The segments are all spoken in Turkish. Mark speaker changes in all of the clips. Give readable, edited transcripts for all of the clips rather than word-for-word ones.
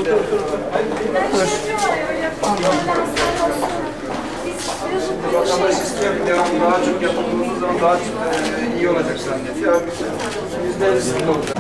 Speaker 1: Vatandaş istiyor ki devamlı daha çok yapıldığımız zaman daha iyi olacak zannediyor. %50'sinde olacak.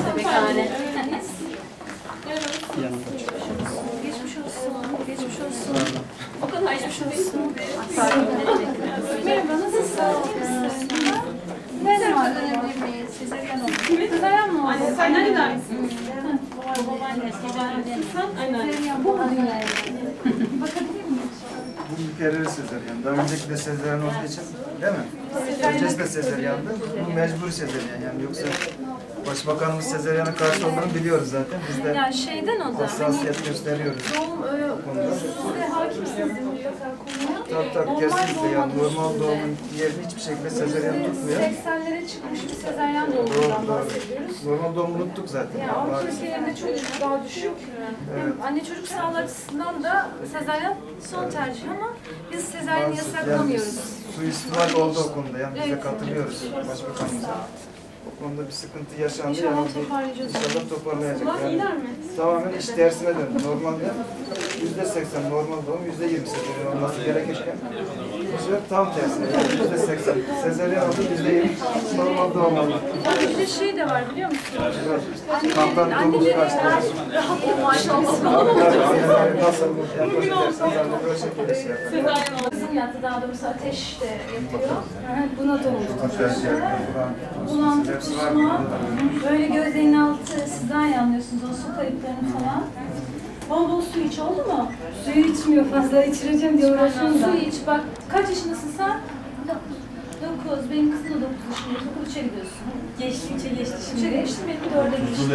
Speaker 2: Geçmiş olsun. Geçmiş olsun. O kadar geçmiş olsun. Merhaba, nasılsın? Ne zaman dönebilir miyiz? Sezaryen oldu. Sezaryen mi oldu?
Speaker 3: Anne sen nereden misin?
Speaker 2: Babaanne, Sezaryen.
Speaker 3: Bu mu dünyaya?
Speaker 2: Bakabilir miyim?
Speaker 1: Bu mükerrer sezaryen. Daha önceki de sezaryen olduğu için değil mi? Öncesi de sezaryandı. Bu mecburi sezaryen yani yoksa Başbakanımız sezaryana karşı olduğunu biliyoruz zaten. Biz de
Speaker 2: Yani şeyden o da.
Speaker 1: hassasiyet gösteriyoruz.
Speaker 2: Doğum, size hakimsiniz mutlaka konuya.
Speaker 1: Tabii kesinlikle yani normal doğumun yerini hiçbir şekilde sezaryen tutmuyor.
Speaker 2: 80'lere çıkmış bir sezaryen doğumundan bahsediyoruz.
Speaker 1: Normal doğumu unuttuk zaten.
Speaker 2: Yani Avrupa ülkelerinde çocuk daha düşük. Hem anne çocuk sağlığı açısından da sezaryen son tercih ama biz sezaryeni yasaklamıyoruz.
Speaker 1: Suistimal oldu o konuda yani biz de katılıyoruz Başbakanımıza. O konuda bir sıkıntı yaşandı.
Speaker 2: İnşallah
Speaker 1: yani
Speaker 2: toparlayacağız.
Speaker 1: İnşallah toparlayacak. Yani
Speaker 3: İner mi?
Speaker 1: tamamen iş tersine döndü. Normalde %80 normal doğum, %20 sezaryen olması gerekirken bu sefer tam tersine. Yani %80 sezaryen oldu, %20 normal doğum oldu.
Speaker 2: Bir de şey de var biliyor musun?
Speaker 1: Kantan doğumuz kaçtı.
Speaker 2: Rahat maşallah.
Speaker 1: Nasıl yapabilirsiniz? Yani böyle şekilde şey yapar.
Speaker 2: Kızım yattı daha doğrusu ateş de yapıyor. Buna doğmuş. Bulantı, kusma, böyle gözlerinin altı, sizden iyi anlıyorsunuz o su kayıplarını falan. Bol bol su iç, oldu mu?
Speaker 4: Suyu içmiyor fazla, içireceğim diye uğraşıyorum da.
Speaker 2: Su iç, bak kaç yaşındasın sen? 9, benim kızım da 9 yaşında, okul 3'e gidiyorsun.
Speaker 4: Geçti, içe geçti
Speaker 2: 3'e
Speaker 4: şimdi.
Speaker 2: geçti, benim 4'e geçti.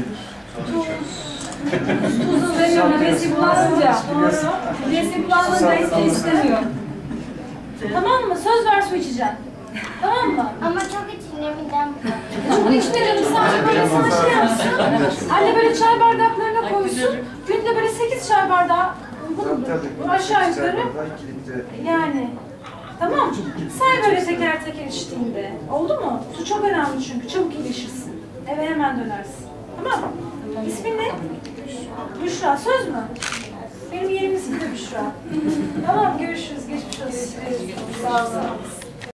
Speaker 4: Tuzu veriyorum, nefesi bulanınca. Nefesi bulanınca hiç istemiyor.
Speaker 2: Tamam mı? Söz ver su içeceksin. Tamam mı?
Speaker 5: Ama çok içinde midem
Speaker 2: Çok içmeyelim, sadece böyle sana şey yapsın. Anne böyle çay bardaklarına koysun. Günde böyle 8 çay bardağı. Bu aşağı yukarı. Yani. Tamam. Say böyle teker teker içtiğinde. Oldu mu? Su çok önemli çünkü. Çabuk iyileşirsin. Eve hemen dönersin. Tamam mı? İsmin ne? Büşra. Söz mü? Benim yerim ismi de Büşra. Tamam, görüşürüz. Geçmiş olsun. Sağ olun.